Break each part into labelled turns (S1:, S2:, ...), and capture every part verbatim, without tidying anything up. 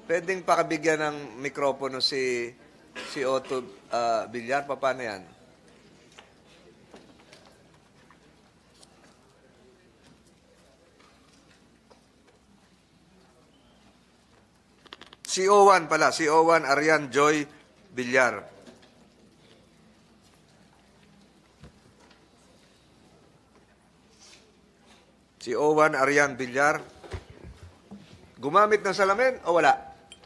S1: Pwedeng pakabigyan ng mikropono si si Otto uh, Villar. Paano yan? Si Owan pala. Si Owan Arian Joy Villar. Si Owan Arian Villar. Gumamit ng salamin o wala?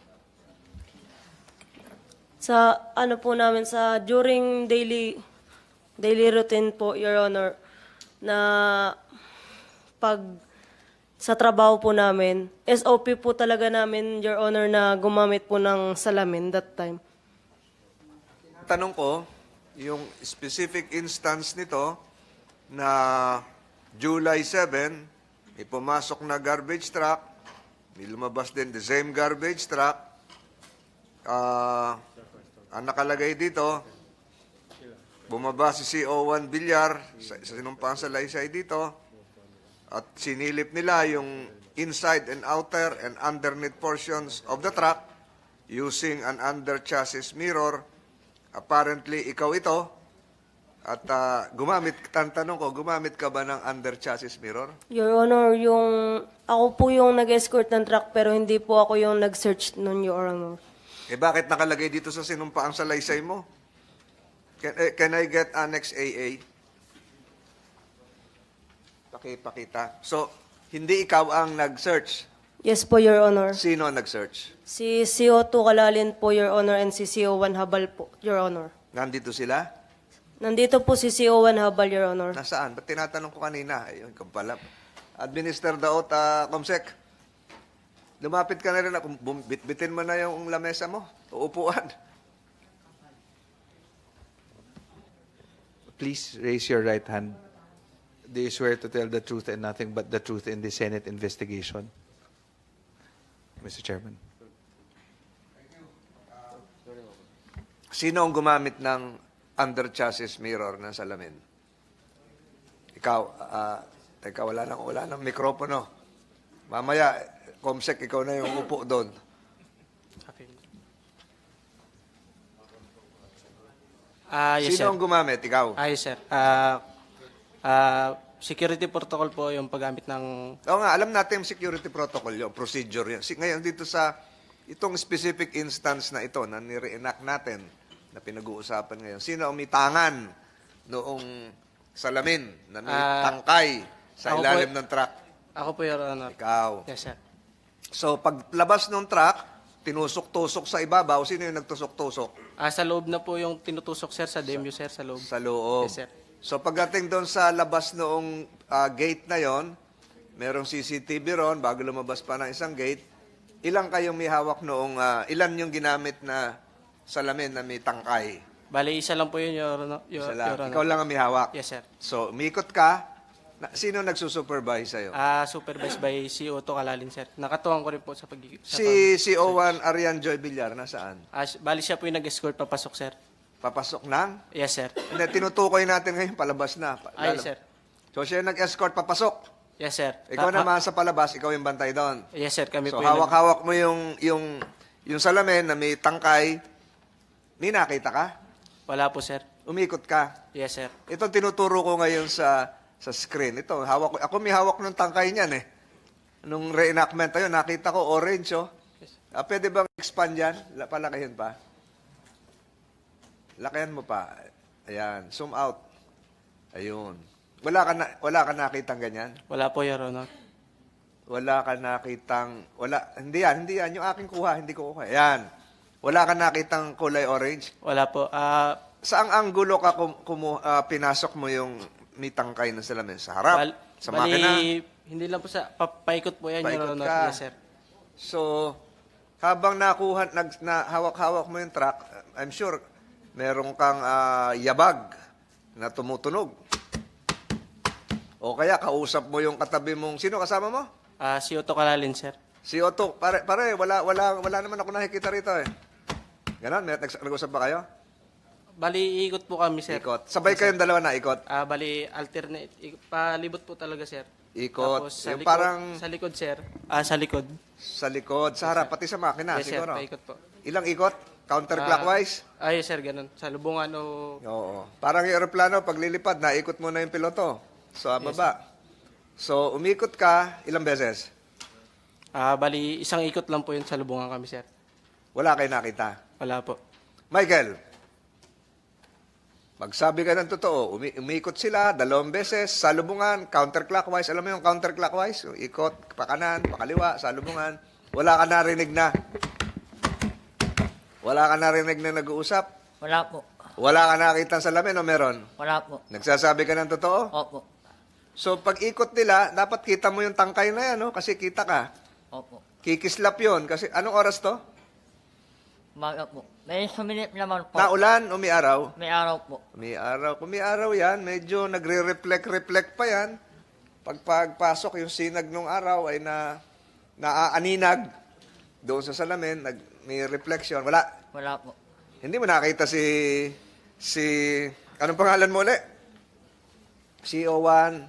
S2: Sa ano po namin, sa during daily daily routine po, Your Honor, na pag sa trabaho po namin, S O P po talaga namin, Your Honor, na gumamit po ng salamin that time.
S1: Tanong ko, yung specific instance nito na July seventh, may pumasok na garbage truck, may lumabas din the same garbage truck. Ah, ang nakalagay dito, bumaba si C O one Villar sa, sa sinumpang salaysay dito at sinilip nila yung inside and outer and underneath portions of the truck using an under chassis mirror. Apparently, ikaw ito. At uh, gumamit, tantanong ko, gumamit ka ba ng under chassis mirror?
S2: Your Honor, yung ako po yung nag-escort ng truck pero hindi po ako yung nag-search nun, Your Honor.
S1: Eh bakit nakalagay dito sa sinumpaang salaysay mo? Can, eh, can I get Annex A A? Pakipakita. So, hindi ikaw ang nag-search.
S2: Yes po, Your Honor.
S1: Sino ang nag-search?
S2: Si C O two Kalalin po, Your Honor, and si C O one Habal po, Your Honor.
S1: Nandito sila?
S2: Nandito po si C O one Habal, Your Honor.
S1: Nasaan? Ba't tinatanong ko kanina? Ayun, ikaw pala. Administer daot, uh, Comsec. Lumapit ka na rin. Bum- Bitbitin mo na yung lamesa mo. Uupuan.
S3: Please raise your right hand. Do you swear to tell the truth and nothing but the truth in the Senate investigation? Mister Chairman.
S1: Sino ang gumamit ng under chassis mirror ng salamin? Ikaw, ah, teka, wala nang, wala nang mikropono. Mamaya, Comsec, ikaw na yung upo doon.
S4: Ah, yes,
S1: Sino
S4: sir.
S1: ang gumamit? Ikaw?
S4: Ah, yes, sir. Ah, ah, security protocol po yung paggamit ng...
S1: Oo nga, alam natin yung security protocol yung procedure yun. Si- Ngayon, dito sa itong specific instance na ito na nire-enact natin, na pinag-uusapan ngayon, sino ang may tangan noong salamin na may
S4: Ah,
S1: tangkay sa
S4: ako po-
S1: ilalim ng truck?
S4: Ako po, Your Honor.
S1: Ikaw.
S4: Yes, sir.
S1: So, paglabas ng truck, tinusok-tusok sa ibabaw, sino yung nagtusok-tusok?
S4: Ah, sa loob na po yung tinutusok, sir, sa D M U, sir, sa loob.
S1: Sa loob.
S4: Yes, sir.
S1: So, pagdating doon sa labas noong ah, gate na yon, merong C C T V ron, bago lumabas pa ng isang gate, ilang kayong may hawak noong, ah, ilan yung ginamit na salamin na may tangkay?
S4: Bali, isa lang po yun, Your Honor. Your,
S1: Isa lang.
S4: Your Honor.
S1: Ikaw lang ang may hawak?
S4: Yes, sir.
S1: So, umikot ka, na, sino nagsusupervise sa'yo?
S4: Ah, supervised by C O two Kalalin, sir. Nakatuwang ko rin po sa pag... sa
S1: si si Owan Arian Joy Villar, nasaan?
S4: pag- ah, s- bali, siya po yung nag-escort papasok, sir.
S1: Papasok ng?
S4: Yes, sir.
S1: Hindi, tinutukoy natin ngayon, palabas na. Pa-
S4: Ah,
S1: lalab-
S4: yes, sir.
S1: So, siya yung nag-escort, papasok.
S4: Yes, sir.
S1: Ikaw
S4: Ta-
S1: naman sa palabas, ikaw yung bantay doon.
S4: ha- Yes, sir. Kami
S1: So,
S4: po yung... nag-
S1: hawak-hawak mo yung, yung, yung salamin na may tangkay. May nakita ka?
S4: Wala po, sir.
S1: Umikot ka.
S4: Yes, sir.
S1: Ito tinuturo ko ngayon sa sa screen. Ito, hawak ko. Ako may hawak ng tangkay niyan eh. Nung reenactment tayo, nakita ko orange oh. Ah, pwede bang expand yan? La- Palakihin pa. Lakihan mo pa. Ayan, zoom out. Ayun. Wala ka na, wala ka nakitang ganyan?
S4: Wala po, Your Honor.
S1: Wala ka nakitang, wala, hindi yan, hindi yan. Yung aking kuha, hindi ko kuha. Ayan. Wala ka nakitang kulay orange.
S4: Wala po. Ah,
S1: Saang anggulo ka kum, kumu, ah, pinasok mo yung may tangkay na salamin? Sa harap?
S4: bal-
S1: sa
S4: bali,
S1: makina?
S4: hindi lang po sa... Pa, paikot po yan,
S1: Paikot
S4: Your Honor.
S1: ka.
S4: Yes, sir.
S1: So, habang nakuha, nag, na, hawak-hawak mo yung truck, I'm sure, meron kang ah, yabag na tumutunog. O kaya, kausap mo yung katabi mong, sino kasama mo?
S4: Ah, C O two Kalalin, sir.
S1: Si Otto, pare, pare wala, wala, wala naman ako nakikita rito eh. Ganon, may nags- nag-usap ba kayo?
S4: Bali, ikot po kami, sir.
S1: Ikot. Sabay kayong dalawa na ikot.
S4: Ah, bali, alternate. ik- Palibot po talaga, sir.
S1: Ikot.
S4: Tapos sa
S1: Yung
S4: likod,
S1: parang
S4: sa likod, sir. Ah, sa likod.
S1: sa likod, sa harap, pati sa makina,
S4: yes, sir.
S1: siguro.
S4: Paikot po.
S1: Ilang ikot? Counterclockwise?
S4: Ah, yes, sir. Ganun. Sa lubungan o...
S1: Oo. Parang yung aeroplano, pag lilipad, naikot mo na yung piloto. Sa baba. So, umikot ka, ilang beses?
S4: Ah, bali, isang ikot lang po yun sa lubungan kami, sir.
S1: Wala kayo nakita.
S4: Wala po.
S1: Michael, magsabi ka ng totoo, umi- umikot sila dalawang beses, salubungan, counterclockwise. Alam mo yung counterclockwise? Yung ikot, pakanan, pakaliwa, salubungan. Wala ka narinig na. Wala ka narinig na nag-uusap.
S5: Wala po.
S1: Wala ka nakita sa salamin o meron?
S5: Wala po.
S1: Nagsasabi ka ng totoo?
S5: Opo.
S1: So, pag ikot nila, dapat kita mo yung tangkay na yan, no? Kasi kita ka.
S5: Opo.
S1: Kikislap yon. Kasi, anong oras to?
S5: Umaga po. May sumilip naman po.
S1: Naulan o may araw?
S5: May araw po.
S1: May araw. Kung may araw yan, medyo nagre-reflect-reflect pa yan. Pag pagpasok yung sinag ng araw ay na naaaninag doon sa salamin, nag, may reflection. Wala.
S5: Wala po.
S1: Hindi mo nakita si, si, anong pangalan mo ulit? C O one.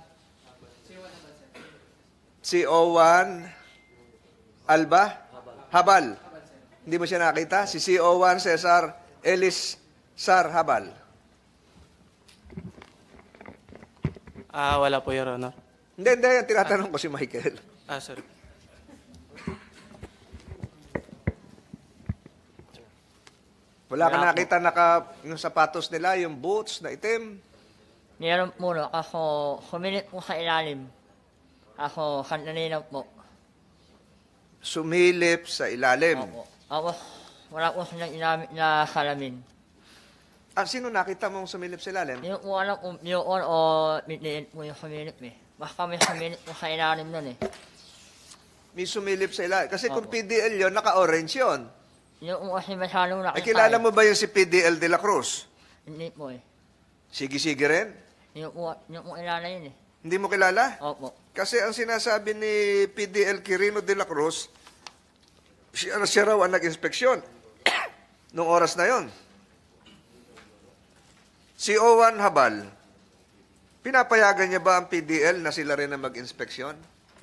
S1: C O one. Alba? Habal. Hindi mo siya nakita? Si C O one Cesar Ellis Sar Habal.
S4: Ah, wala po, Your Honor.
S1: Hindi, hindi. Tinatanong ko si Michael.
S4: Ah, sorry.
S1: Wala ka
S5: Wala po.
S1: nakita naka, yung sapatos nila, yung boots na itim.
S5: Meron po no. Ako, sumilip po sa ilalim. Ako, kanina po.
S1: Sumilip sa ilalim.
S5: Opo. Ako, wala po silang inamit na salamin.
S1: Ah, sino nakita mong sumilip sa ilalim?
S5: Hindi ko po alam kung yun o mitniin po yung sumilip eh. Basta may sumilip po sa ilalim nun eh.
S1: May sumilip sa ilalim. Kasi kung
S5: Opo.
S1: P D L yun, naka-orange yun.
S5: Yun po kasi masyadong nakita
S1: Ay, kilala
S5: eh.
S1: mo ba yung si P D L de la Cruz?
S5: Hindi po eh.
S1: Sige-sige rin?
S5: Yun po, yun po kilala yun eh.
S1: Hindi mo kilala?
S5: Opo.
S1: Kasi ang sinasabi ni P D L Quirino de la Cruz, siya, siya raw ang nag-inspeksyon nung oras na yon. Si Owan Habal, pinapayagan niya ba ang P D L na sila rin ang mag-inspeksyon?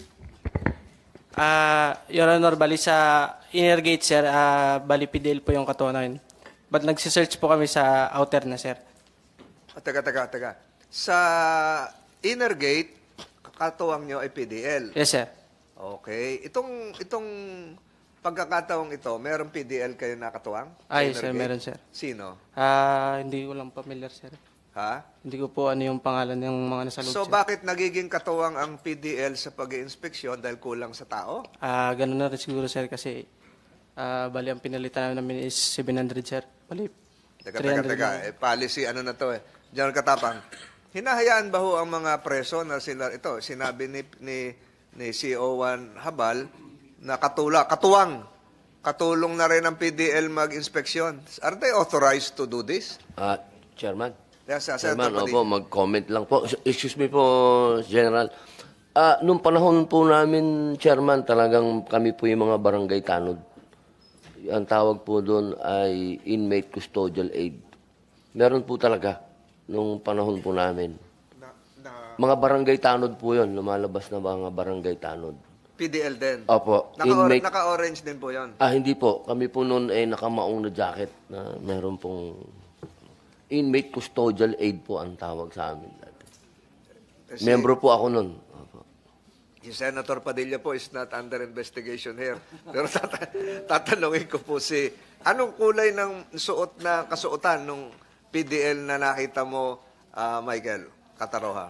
S4: Ah, Your Honor, bali sa inner gate, sir, ah, bali P D L po yung katunayan. But nagsisearch po kami sa outer na, sir.
S1: O, taga, taga, taga. Sa inner gate, kakatuwang nyo ay P D L.
S4: Yes, sir.
S1: Okay. Itong, itong pagkakataong ito, merong P D L kayo nakatuwang? Sa
S4: Ay,
S1: inner
S4: sir,
S1: gate?
S4: meron, sir.
S1: Sino?
S4: Ah, hindi ko lang familiar, sir.
S1: Ha?
S4: Hindi ko po ano yung pangalan ng mga nasa loob,
S1: So,
S4: sir.
S1: bakit nagiging katuwang ang P D L sa pag-iinspeksyon dahil kulang sa tao?
S4: Ah, ganun na rin siguro, sir, kasi ah, bali ang pinalitan namin is seven hundred, sir. Bali,
S1: Teka,
S4: three
S1: teka,
S4: hundred
S1: teka.
S4: lang.
S1: Eh, policy, ano na to eh. General Katapang, hinahayaan ba ho ang mga preso na sila, ito, sinabi ni, ni, ni C O one Habal na katula, katuwang, katulong na rin ang P D L mag-inspeksyon. Are they authorized to do this?
S6: Ah, Chairman.
S1: Yes, sir,
S6: Chairman,
S1: Senator
S6: opo,
S1: Padilla.
S6: mag-comment lang po. Excuse me po, General. Ah, nung panahon po namin, Chairman, talagang kami po yung mga barangay tanod. Ang tawag po doon ay inmate custodial aid. Meron po talaga nung panahon po namin.
S1: Na, na
S6: Mga barangay tanod po yun, lumalabas na mga barangay tanod.
S1: P D L din.
S6: Opo,
S1: Naka,
S6: inmate.
S1: naka-orange din po yon.
S6: Ah, hindi po. Kami po noon ay nakamaong na jacket na meron pong inmate custodial aid po ang tawag sa amin dati.
S1: Kasi
S6: Membro po ako noon. Opo.
S1: si Senator Padilla po is not under investigation here. Pero tata- tatanungin ko po si, anong kulay ng suot na kasuotan nung P D L na nakita mo, ah, Michael Kataroha?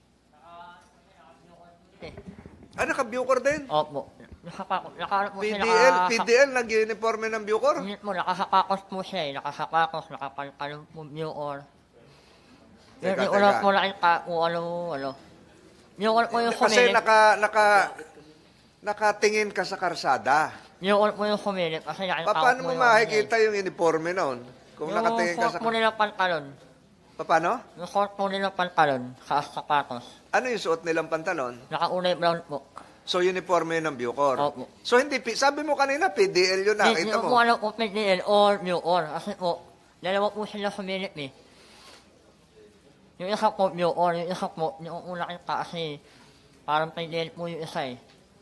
S5: Eh.
S1: Ah, naka-Bucor din?
S5: Opo. Nakapakos. Nakaano po
S1: P
S5: siya.
S1: D L,
S5: naka-
S1: P D L, nag-uniforme ng Bucor?
S5: Hindi po, nakasakakos po siya eh. Nakasakakos, nakapalkalong po yung or. Yung
S1: Teka,
S5: yung una
S1: teka.
S5: po nakita kung ano, ano. Yung una po yung
S1: Kasi
S5: sumilip.
S1: naka, naka, nakatingin ka sa karsada.
S5: Yung una po yung sumilip. Kasi nakita
S1: Pa, paano mo
S5: po yung
S1: makikita yung uniforme noon? Kung
S5: yung
S1: nakatingin ka
S5: suot
S1: sa...
S5: po nila pantalon.
S1: Pa, paano?
S5: Yung suot po nila pantalon sa sapatos.
S1: Ano yung suot nilang pantalon?
S5: Nakaunay brown po.
S1: So, uniforme ng Bucor.
S5: Opo.
S1: So, hindi, P- sabi mo kanina, P D L yun,
S5: Hindi
S1: nakita
S5: ko
S1: mo.
S5: po alam kung P D L or New Or. Kasi po, dalawa po sila sumilip eh. Yung isa po New Or, yung isa po, yung una kita kasi Parang pinilit po yung isa eh.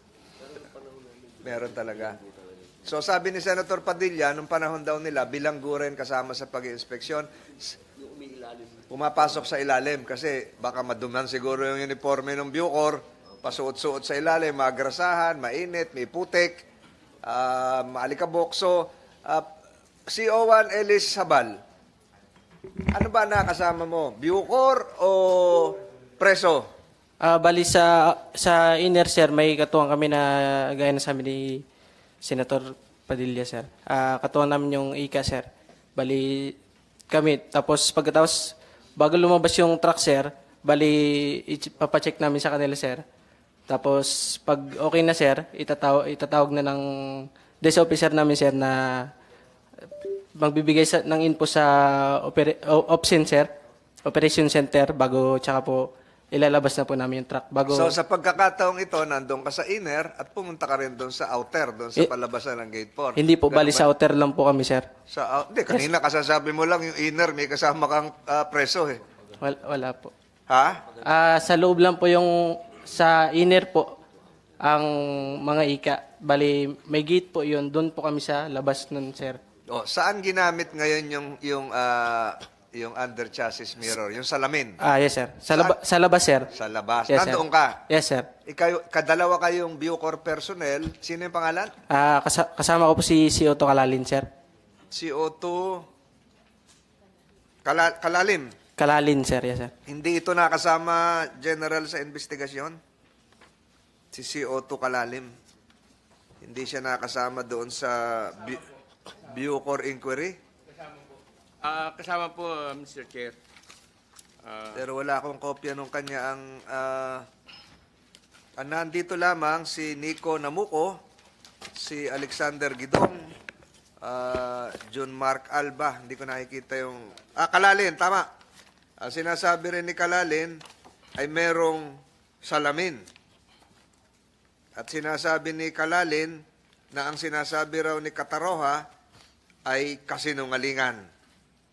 S1: Meron talaga. So sabi ni Senator Padilla, nung panahon daw nila, bilanggo rin kasama sa pag-inspeksyon, s- pumapasok sa ilalim kasi baka maduman siguro yung uniforme ng Bucor, pasuot-suot sa ilalim, magrasahan, mainit, may putik, uh, maalikabok. So, uh, C O one Ellis Sabal, ano ba nakasama mo? Bucor o preso?
S4: Ah, bali sa sa inner, sir, may katuwang kami na gaya na sa amin ni Senator Padilla, sir. Ah, katuwang namin yung I C A, sir. Bali kami. Tapos pagkatapos, bago lumabas yung truck, sir, bali i- papacheck namin sa kanila, sir. Tapos pag okay na, sir, itatawag, itatawag na ng desk officer namin, sir, na magbibigay sa, ng info sa opera, o- OPSEN, sir, Operation Center, bago tsaka po ilalabas na po namin yung truck. Bago,
S1: So sa pagkakataong ito, nandun ka sa inner at pumunta ka rin doon sa outer, doon sa
S4: Eh,
S1: palabasan ng gate four.
S4: hindi po,
S1: Ganun
S4: bali
S1: ba?
S4: sa outer lang po kami, sir.
S1: Sa, out- hindi, kanina kasasabi mo lang yung inner, may kasama kang ah, preso eh.
S4: Wala, wala po.
S1: Ha?
S4: Ah, sa loob lang po yung, sa inner po, ang mga ika. Bali, may gate po yun. Doon po kami sa labas nun, sir.
S1: O, saan ginamit ngayon yung yung ah, yung under chassis mirror, yung salamin?
S4: Ah, yes, sir. Sa, laba- sa labas, sir.
S1: Sa labas.
S4: Yes, sir.
S1: Nandoon ka.
S4: Yes, sir.
S1: Ikaw, kadalawa kayong Bucor personnel. Sino yung pangalan?
S4: Ah, kasa- kasama ko po si, si Otto Kalalin, sir.
S1: C O two Kala, Kalalim.
S4: Kalalin, sir. Yes, sir.
S1: Hindi ito nakasama general sa investigasyon? Si C O two Kalalim. Hindi siya nakasama doon sa Bu- Bucor inquiry?
S7: Ah, kasama po, uh, Mister Chair. Ah,
S1: Pero wala akong kopya nung kanya ang ah, ah, nandito lamang si Nico Namuco, si Alexander Gidong, ah, John Mark Alba, hindi ko nakikita yung ah Kalalin, tama. Ang sinasabi rin ni Kalalin ay merong salamin. At sinasabi ni Kalalin na ang sinasabi raw ni Kataroha ay kasinungalingan.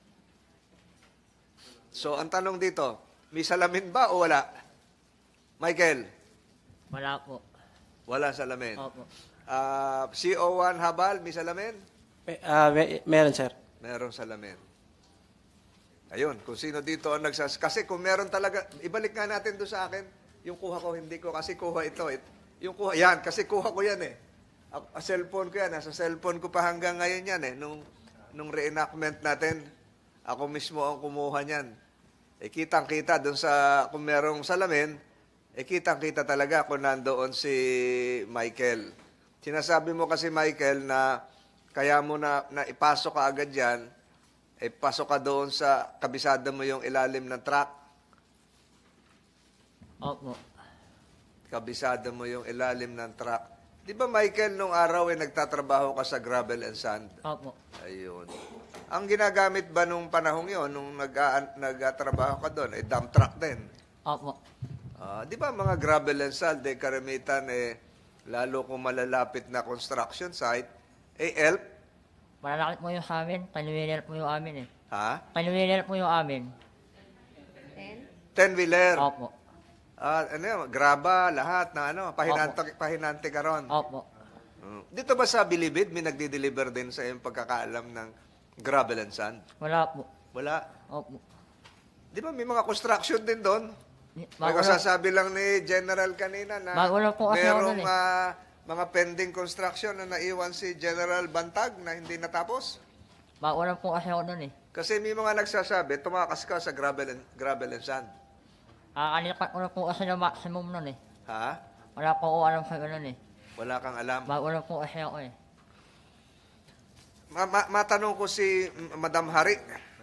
S1: So, ang tanong dito, may salamin ba o wala? Michael,
S5: Wala po.
S1: wala salamin.
S5: Opo.
S1: Ah, C O one Habal, may salamin?
S4: May- ah, may- meron, sir.
S1: Merong salamin. Ayun, kung sino dito ang nagsas... Kasi kung meron talaga... Ibalik nga natin doon sa akin. Yung kuha ko, hindi ko. Kasi kuha ito. It, yung kuha, yan. Kasi kuha ko yan eh. A, a cellphone ko yan. Nasa cellphone ko pa hanggang ngayon yan eh. Nung, nung reenactment natin, ako mismo ang kumuha niyan. Eh, kitang-kita doon sa... Kung merong salamin, eh, kitang-kita talaga kung nandoon si Michael. Sinasabi mo kasi, Michael, na kaya mo na, na ipasok ka agad yan, eh, pasok ka doon sa kabisada mo yung ilalim ng truck.
S5: Opo.
S1: Kabisada mo yung ilalim ng truck. Di ba, Michael, nung araw eh, nagtatrabaho ka sa gravel and sand?
S5: Opo.
S1: Ayun. Ang ginagamit ba nung panahong yon nung nag nagtatrabaho ka doon, eh, dump truck din?
S5: Opo.
S1: Ah, di ba mga gravel and sand, eh, karamitan, eh, lalo kung malalapit na construction site, eh, help?
S5: Malalaki po yung sa amin. Panuwinil po yung amin eh.
S1: Ha?
S5: Panuwinil po yung amin.
S1: Ten-wheeler.
S5: Opo.
S1: Ah, ano yun, graba, lahat na ano, pahinante, pahinante ka ron.
S5: Opo.
S1: Mm. Dito ba sa Bilibid, may nagdi-deliver din sa iyong pagkakaalam ng gravel and sand?
S5: Wala po.
S1: Wala.
S5: Opo.
S1: Di ba may mga construction din doon? May
S5: Bago na,
S1: kasasabi lang ni General kanina na
S5: Bago lang po kasi ako
S1: merong
S5: nun eh.
S1: ah, mga pending construction na naiwan si General Bantag na hindi natapos.
S5: bago lang po kasi ako nun eh.
S1: Kasi may mga nagsasabi, tumakas ka sa gravel and, gravel and sand.
S5: Kakalipat ko na po kasi ng maximum nun eh.
S1: Ha?
S5: Wala po ako alam sa ganun eh.
S1: Wala kang alam.
S5: Bago lang po kasi ako eh.
S1: Ma- ma- matanong ko si mm, Madam Hari.